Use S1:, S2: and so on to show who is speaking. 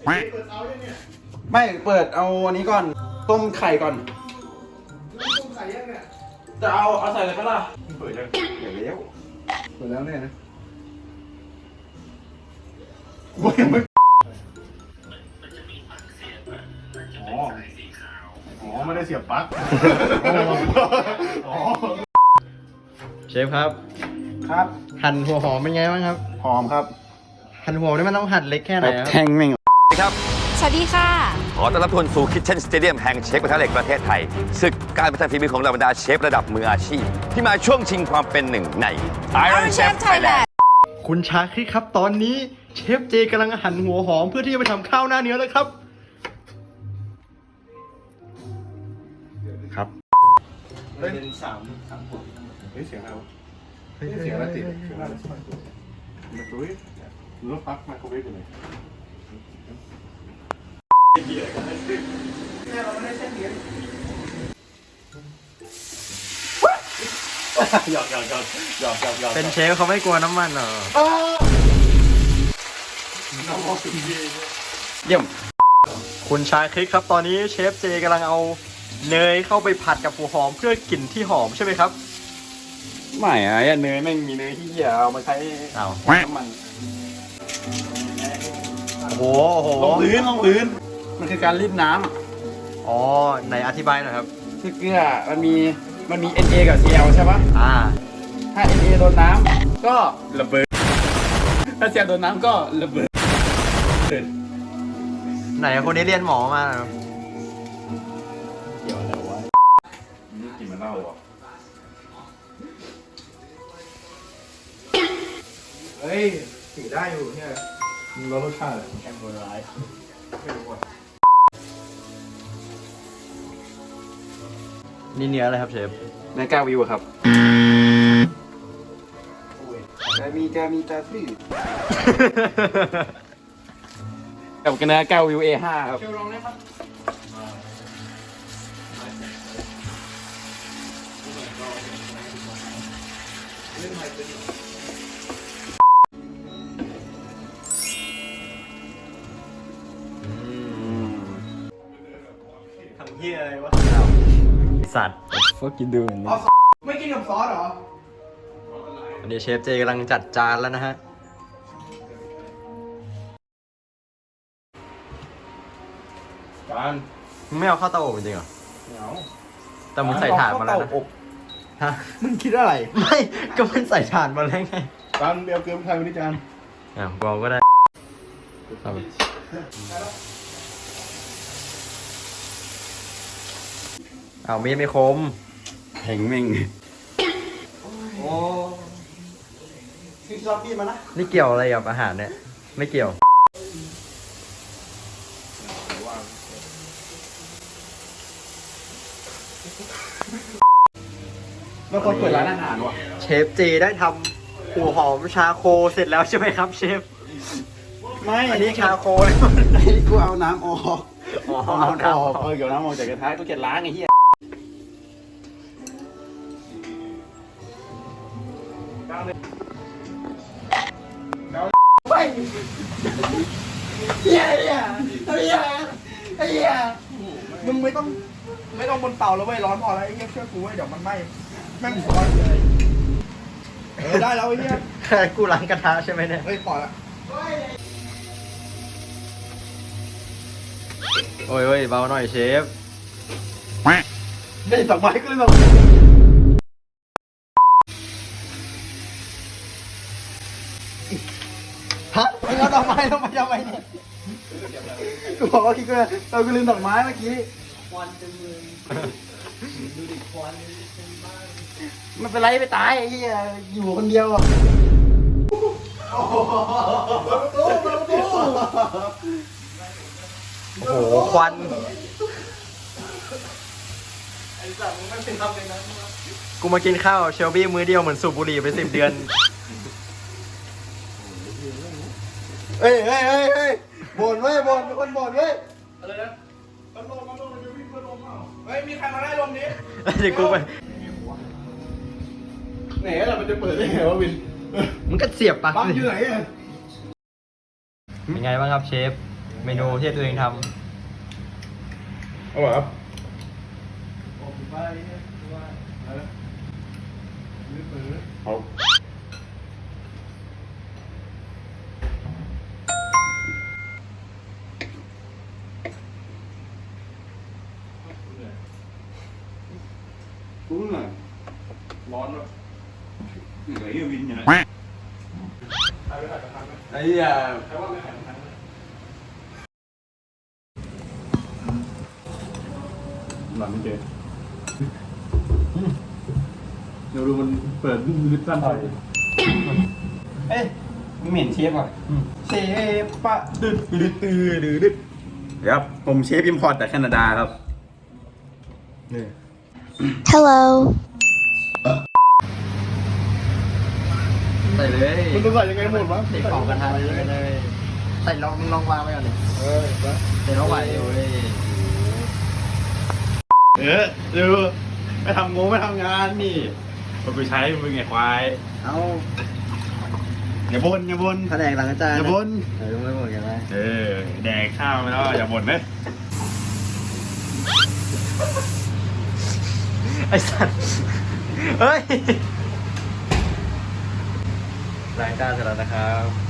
S1: เปิดเตายังเนี่ย
S2: ไม่เปิดเอาอันนี้ก่อนต้มไข่ก่อน
S1: ต้มไข่ยังเนี่ย
S2: จะเอาใส่เลยก็ล่ะ
S1: เปิดยัง
S2: เดี๋ยวเลี้ยว
S1: เปิดแล้วเนี่ยนะกูยังไม่อ๋อไม่ได้เสียบปลั๊กอ๋อ
S3: เชฟครับ
S2: ครับ
S3: หั่นหัวหอมเป็นไงบ้างครับ
S2: หอมครับ
S3: หั่นหัวนี่มันต้องหั่นเล็กแค่ไหนครับ
S2: แทงแม่ง
S4: ครับ
S5: สวัสดีค่ะ
S4: ขอต้อนรับทุกคนสู่ Kitchen Stadium แห่งเชฟกระทะเหล็กประเทศไทยศึกการพัฒนาฝีมือของเหล่าบรรดาเชฟระดับมืออาชีพ ที่มาช่วงชิงความเป็นหนึ่งใน Iron Chef Thailand
S3: คุณชาคริสครับตอนนี้เชฟเจกำลังหั่นหัวหอมเพื่อที่จะไปทำข้าวหน้าเนื้อแล้วครับ ครับ
S1: เป็นสามขวดเฮ้ยเสียงอะไรวะเสียงอะไรติดเสียงอะไรมาตุ้ยหรือว่าปลั๊กไมโครเวฟอยู่ไหนเนี่ยเราไม่ได้เส้นเลี้ยงหยอก
S3: เป็นเชฟเขาไม่กลัวน้ำมันเหรอ
S2: เยี่ยม
S3: คุณชาคริสครับตอนนี้เชฟเจกำลังเอาเนยเข้าไปผัดกับหัวหอมเพื่อกลิ่นที่หอมใช่ไหมครับ
S2: ไม่อะไอ้เนยแม่งมีเนยที่เหี้ยเอามาใช้
S3: อ้าว
S2: น้ำมัน
S3: โอ้โห
S2: ลงพื้นมันคือการรีดน้ำ
S3: อ๋อไหนอธิบายหน่อยครับ
S2: คือเกลือมันมี Na กับ Cl ใช่ปะ ถ้า Na โดนน้ำก็ระเบิด ถ้า Cl โดนน้ำก็ระเบิด
S3: ไหนคนนี้เรียนหมอมาเหรอ
S2: เกี่ยวอะไรวะกินมันเล่าอ่ะเฮ้ยสีได้อยู่เนี่ย
S1: แล้วรสชาติ
S2: แอมโบร้ายไม่รู้อ่ะ
S3: นี่เนื้ออะไรครับเชฟ
S2: ในกาวิวครับกาซื้อกับกันนะกาวิว A5 ครับเชลลองได้ปะ
S3: ทำเหี้ยอะไรวะสัตว์
S2: ฟักกินดูเหมือน
S1: ไม่กินกับซอสเหรอ
S3: วันนี้เชฟเจกำลังจัดจานแล้วนะฮะ
S2: การ
S3: มึงไม่เอาเข้าเตาอบจริงเหรอ
S2: เหงา
S3: แต่มึงใส่ถ่านมาแล้วนะ
S2: อบ
S3: ฮะ
S2: มึงคิดอะไร
S3: ไม่ ก็มันใส่ถ่านมาแล้วไง
S1: การเบียร์เกลือไทยวันนี้จาน
S3: กองก็ได้เอาเอามีดไม่คม
S2: แข็งแม่ง
S1: โอ้ที่ชอบพี่มานะ
S3: นี่เกี่ยวอะไรกับอาหารเนี่ย ไม่เกี่ยว
S2: มันคนเปิดร้านอาหารว่ะ
S3: เชฟเจได้ทำหัวหอมชาโคเสร็จแล้วใช่ไหมครับเชฟ
S2: ไม่
S3: อันนี้ชาโคเลย
S2: อันนี้กูเอาน้ำออก
S3: อ๋อ
S2: เอา
S3: เอา
S2: น้ำอ
S3: น้ำ
S2: อ
S3: อก อก
S2: เกี่ยวน้ำออกจากกระทะกูเกลียดล้างไอ้เหี้ยไปเหี้ยมึงไม่ต้องบนเตาแล้วเว้ยร้อนพอแล้วไอ้เหี้ยเชื่อกูเว้ยเดี๋ยวมันไหม้แม่งร้อนเลยได้แล้วไอ้เหี้ย
S3: แค่กูล้างกระทะใช่ไหมเนี่ย
S1: เฮ้ยปล่อยละ
S3: โอ้ยเบาหน่อยเชฟ
S2: ได้สองไม้ก็เลยสอง
S3: ฮะมึงเอาดอกไม้ลงมาทำไมเนี่ย
S2: กูบอกว่าคิดกูกูลืมดอกไม้เมื่อกี้ไม่เป็นไรไปตายไอ้เหี้ยอยู่คนเดียวอ่ะ
S3: โอ้โหควันกูมากินข้าวเชลบี้มื้อเดียวเหมือนสูบบุหรี่ไป10 เดือน
S2: เฮ้ยบ่นเว้ยบ่นเป็นคนบ่นเว้ย
S1: อะไรนะพัดลมมันจะวิ่งพัดลมเปล่าเฮ้ยมีใครมาไล่ลมนี้
S3: เดี๋ยวกูไป
S1: ไหนล่ะมันจะเปิดได้ไงวะวิน
S3: มึงก็เสียบปลั๊ก
S1: ปั๊ม
S3: สิ
S1: อยู่ไหนอ่ะ
S3: เป็นไงบ้างครับเชฟเมนูที่ตัวเองท
S1: เอาแบบ เอา
S2: รู้หน่อยร้อนแบบเหนื่อยวินอย่างไรไอ้ยาหลังไม่เจอเดี๋ยวดูมันเปิดลึกสั้นไป
S3: ำเอ้ยมึงเหม็นเชฟอ่ะเชฟปะ
S2: ดึดครับผมเชฟอิมพอร์ตจากแคนาดาครับ
S5: Hello.
S3: ใส่เลย
S1: มันจะใส่ยังไงหมดวะ
S3: ใส่ของกระทะเลยใส่ลองวางไว้ก่อนดิใส่ลองไว้เลย
S2: ดูไม่ทำงงไม่ทำงานนี่ผมไปใช้มึงไงควาย
S3: เอา
S2: อย่าบ่นอย่าบ่น
S3: แผนกหลังอาจารย์
S2: อย่าบ่น
S3: ต้องไม่บ่นกันนะ
S2: แดกข้าวไปแล้วอย่าบ่นเลย
S3: ไอ้สัตว์เฮ้ยรายการเสร็จแล้วนะครับ